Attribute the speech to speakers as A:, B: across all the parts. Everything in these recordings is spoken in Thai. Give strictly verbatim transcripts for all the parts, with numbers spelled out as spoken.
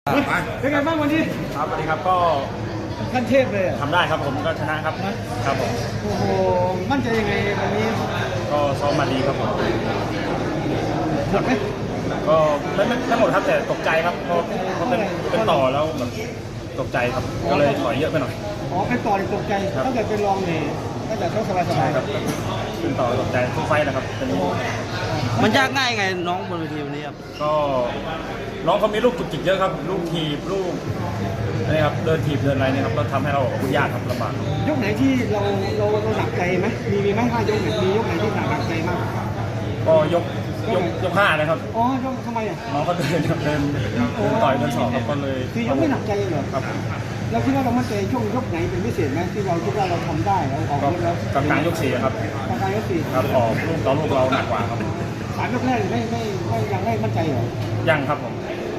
A: เป็นไงบ้างวันนี้
B: ครับสวัสดีครับก็
A: ขั้นเทพเลย
B: ทำได้ครับผมก็ชนะครับครับผม
A: โอ้โหมั่นใจยังไงวันนี้
B: ก็ซ้อมมาดีครับผม
A: หมดไหม
B: ก็ไม่ไม่ไม่หมดครับแต่ตกใจครับเพราะเพราะเป็นเป็นต่อแล้วแบบตกใจครับก็เลยถอยเยอะไปหน่อย
A: อ๋อเป็นต่อตกใจตั้งแต่เป็นรองเนี่ยตั้งแต่ต้องสบายสบาย
B: ครับเป็นต่อตกใจทุกไฟนะครับตอนนี้
C: มันยากง่ายไงน้องบนเวทีวันนี้ครับ
B: ก็น้องเขามีลูกจุกจิกเยอะครับลูกทีบลูกอะไรครับเดินทีบเดินอะไรเนี่ยครับก็ทำให้เรายากครับลำบาก
A: ยกไหนที่เราเราเราหนักใจไหมมีมีไหมห้ายกไหนมียกไหนที่หนักหนักใจมาก
B: ก็ยกยกยกห้านะครับ
A: อ๋อยกทำไมอ่ะ
B: น้องเขาเดินเดินเดินต่อยเดินสอบครับก็เลย
A: คือยกไม่หนักใจเหรอ
B: ครับ
A: เราคิดว่าเรามั่นใจช่วงยกไหนเป็นพิเศษไหมที่เราคิดว่าเราทำได้เราออกแล้ว
B: กลางกลางยกสี่ครับ
A: กลางกลางยกสี่
B: ครับออกลูกต่อลูกเราหนักกว่าครับ
A: สามยกแรกไม่ไม่ไม่ยังไม่มั่นใจเหรอ
B: ยังครับผม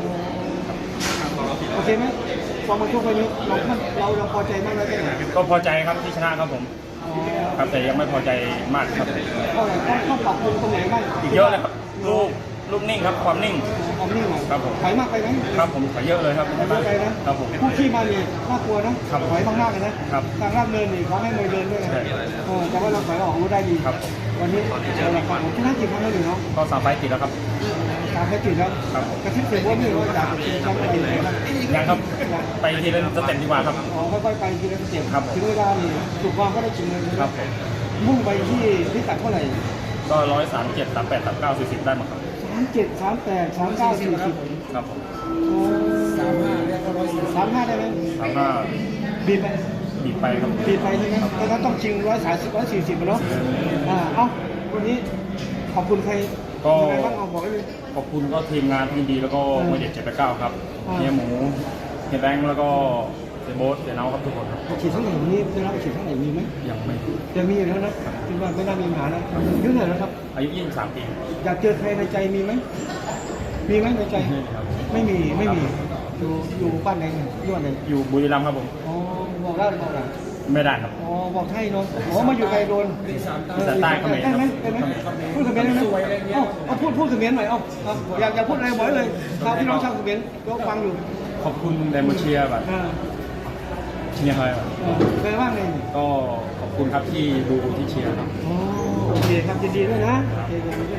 A: โอเคไหมพอมาช่วงนี้เราเราเราพอใจมากแล้วใช่ไหม
B: ก็พอใจครับที่ชนะครับผมครับแต่ยังไม่พอใจมากครับ
A: ก็ต้องต้องปรับปรุงตรงไหนบ้าง
B: อีกเยอะเลยครับลูกลูกนิ่งครับความนิ่ง
A: ความนิ่ง
B: ครับผม
A: ถอยมากไปไหม
B: ครับผมถอยเยอะเลยครับ
A: ถอยมากไปนะครับ
B: ผม
A: ผู้ขี้มาเนี่ยน่ากลัวนะถอยมากๆเลยนะครับทางลาดเนินนี่เขาให้มวยเดินด้วยนะแต่ว่าเราถอยออกรู้ได้ดี
B: ครับ
A: วันนี้เราละครับชนะกี่ครั้งแล้วหนึ่งเนาะ
B: ก็สามไฟติดแล้วครับ
A: สามไฟติดแล้วกระทิบเสียว่าไม่รู้ว่าอยากจะเป็นแชมป์อะไรนะ
B: ยังครับไปทีละสเต็ปดีกว่าครับ
A: อ๋อค่อยๆไปทีละสเต็ป
B: ครับ
A: ถึงเวลานี่ถูกวางก็ได้จริงเลย
B: ครับ
A: มุ่งไปที่พิกัดเท่าไหร่
B: ก็ร้อยสามเจ็ดสามแปดสามเก้าสี่สิบได้มั้งครับ
A: สามเจ็ดสามแปดสามเก้าสี่สิบ
B: ครับผม
A: สามห้าสามห้าได้ไหม
B: สามห้า
A: บีบไป
B: บีบไปครับ
A: บีบไปใช่ไหมแต่ถ้าต้องชิงร้อยสามสิบร้อยสี่สิบเนาะอ่าเอ้าวันนี้ขอบคุณใคร
B: ก็
A: บ้างเอาบอกเลย
B: ขอบคุณก็ทีมงานที่ดีแล้วก็มวยเด็ดเจ็ดแปดเก้าครับเฮียหมูเฮียแบงค์แล้วก็เซโบสเซนเอาครับทุกคนครับ
A: ฉีดทั้งไหนนี้ได้รับฉีดทั้งไหนมีไหม
B: ยังไม่
A: ยังมีอยู่แล้วนะคิดว่าไม่น่ามีปัญหานะอายุเท่าไหร่แล้วครับ
B: อายุยี่สิบสามปี
A: อยากเจอใครในใจมีไหมมีไหมในใจไม่มีไม่มีอยู่อยู่บ้านไหนย้อนไหน
B: อยู่บุรีรัมย์ครับผม
A: อ๋อบอกได้บอกได้
B: ไม่ได้ครับ
A: อ๋อบอกให้เนาะอ๋อมาอยู่ไกลโดน
B: แต่ใต้เขมร
A: ได้ไหมได้ไหมพูดเขมรได้ไหมเอ้าเอาพูดพูดเขมรหน่อยเอ้าอยากอยากพูดอะไรบอกเลยชาวพี่น้องชาวเขมรก็ฟังอยู่
B: ขอบคุณแดมเชียร์แบบเชียร์อะไรแบบ
A: เป็นว่าไง
B: ก็ขอบคุณครับที่ดูที่เชียร์ครับ
A: โอเคครับยินดีด้วยนะ